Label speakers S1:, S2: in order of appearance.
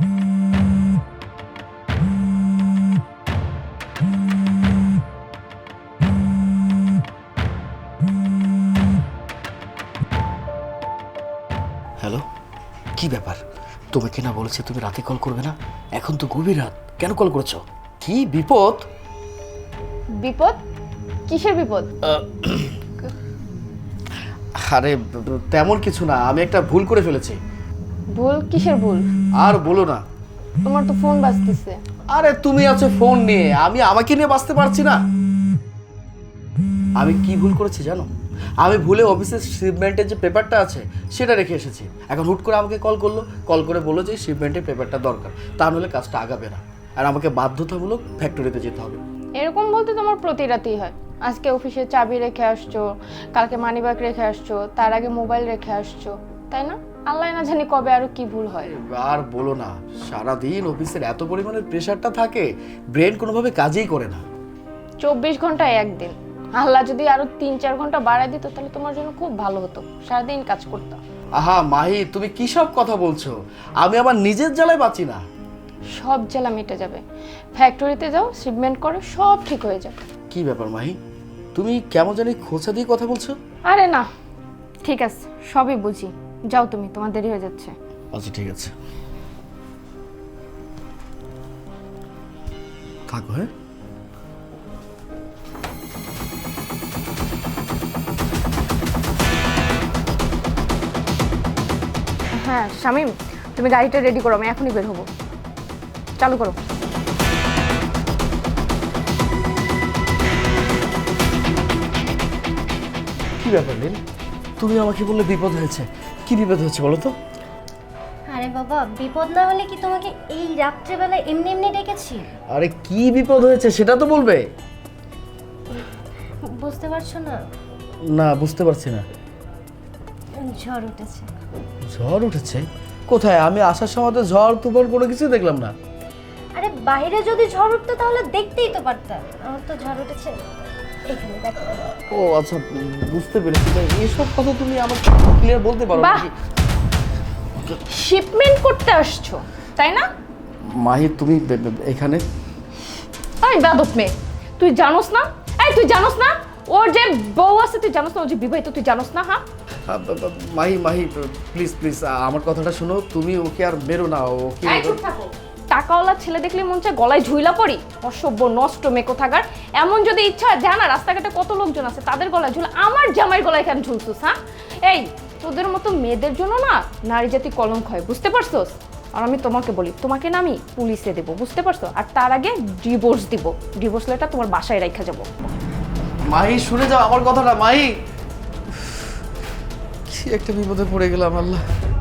S1: Hello, কি ব্যাপার? তোমাকে না বলেছে তুমি রাতে কল করবে না? এখন তো গভীর রাত, কেন কল করেছো? কি বিপদ?
S2: বিপদ? কিসের বিপদ?
S1: আরে তেমন কিছু না, আমি একটা ভুল করে ফেলেছি।
S2: ভুল? কিসের ভুল?
S1: আর বলো না।
S2: তোমার তো ফোন বাজতেছে।
S1: আরে তুমি আছো ফোন নিয়ে, আমি আমাকে নিয়ে বাঁচতে পারছি না। আমি কি ভুল করেছি জানো? আমি ভুলে অফিসের শিপমেন্টের যে পেপারটা আছে সেটা রেখে এসেছি। এখন হুট করে আমাকে কল করে বললো যে শিপমেন্টের পেপারটা দরকার, তা নাহলে কাজটা আগাবে না, আর আমাকে বাধ্যতামূলক ফ্যাক্টরিতে যেতে হবে।
S2: এরকম বলতে তোমার প্রতি রাতেই হয়। আজকে অফিসে চাবি রেখে আসছো, কালকে মানিব্যাগ রেখে আসছো, তার আগে মোবাইল রেখে আসছো, তাই না? আল্লাহ না জানি কবে আরো কি ভুল হয়।
S1: আর বলো না, সারাদিন অফিসের এত পরিমাণের প্রেশারটা থাকে, ব্রেন কোনোভাবে কাজই করে না।
S2: 24 ঘন্টায় একদিন। আল্লাহ যদি আরো 3-4 ঘন্টা বাড়ায় দিত তাহলে তোমার জন্য খুব ভালো হতো, সারাদিন কাজ করতাম।
S1: আহা মাহি, তুমি কি সব কথা বলছো? আমি আমার নিজের জ্বালায় বাঁচি না।
S2: সব জ্বালা মিটে যাবে। ফ্যাক্টরিতে যাও, শিপমেন্ট করো, সব ঠিক হয়ে যাবে।
S1: কি ব্যাপার মাহি, তুমি কেমন জানি খোঁচা দিয়ে কথা বলছো?
S2: আরে না, ঠিক আছে, সবই বুঝি। যাও তুমি, তোমার দেরি হয়ে যাচ্ছে।
S1: আচ্ছা ঠিক আছে, থাকো। হ্যাঁ,
S2: হ্যাঁ শামীম, তুমি গাড়িটা রেডি করো, আমি এখনই বের হবো। চালু করো।
S1: কি ব্যাপার নীল? তুমি আমাকে বললে বিপদ হয়েছে, কি বিপদ হয়েছে বলো তো?
S3: আরে বাবা, বিপদ না হলে কি তোমাকে এই রাত্রেবেলা এমনি এমনি ডেকেছি?
S1: আরে কি বিপদ হয়েছে সেটা তো বলবে।
S3: বুঝতে পারছো না?
S1: না, বুঝতে পারছি না।
S3: ঝড় উঠেছে।
S1: ঝড় উঠেছে? কোথায়? আমি আসার সময় তো ঝড় তুফান কোনো কিছু দেখলাম না।
S3: আরে বাইরে যদি ঝড় উঠতো তাহলে দেখতেই তো পারতাম। আমার তো ঝড় উঠেছে এখানে, দেখো।
S1: ও আচ্ছা, বুঝতে পেরেছি। এইসব কথা তুমি আমাকে ক্লিয়ার বলতে পারো
S2: বাহ!
S1: নাকি?
S2: শিপমেন্ট করতে আসছো, তাই না?
S1: মাহি, তুমি এখানে?
S2: আরে বেয়াদব মেয়ে, তুই জানোস না? এই তুই জানোস না ওর যে বউ আছে? তুই জানোস না ও যে বিবাহিত? তুই জানোস না? হ্যাঁ
S1: মাহি মাহি, প্লিজ প্লিজ আমার কথাটা শোনো। তুমি ওকে আর মেরো না, ওকে।
S2: এই চুপ থাকো। টাকাওয়ালা ছেলে দেখলে মন চায় গলায় ঝুইলা পড়ি। অসভ্য নষ্ট মেকো থাকার। এমন যদি ইচ্ছা হয়, জানা রাস্তাঘাটে কত লোকজন আছে, তাদের গলায় ঝুলা, আমার জামাইয়ের গলায় কেন ঝুলছিস? হ্যাঁ, এই তোদের মতো মেয়েদের জন্য না নারী জাতি কলঙ্ক হয়, বুঝতে পারছোস? আর আমি তোমাকে বলি, তোমাকে না আমি পুলিশে দেবো, বুঝতে পারছো? আর তার আগে ডিভোর্স দিব। ডিভোর্স লেটার তোমার বাসায় রাখা যাবো।
S1: মাহি, শুনে যাও আমার কথাটা। মাহি, কি একটা বিপদে পড়ে গেলাম আল্লাহ।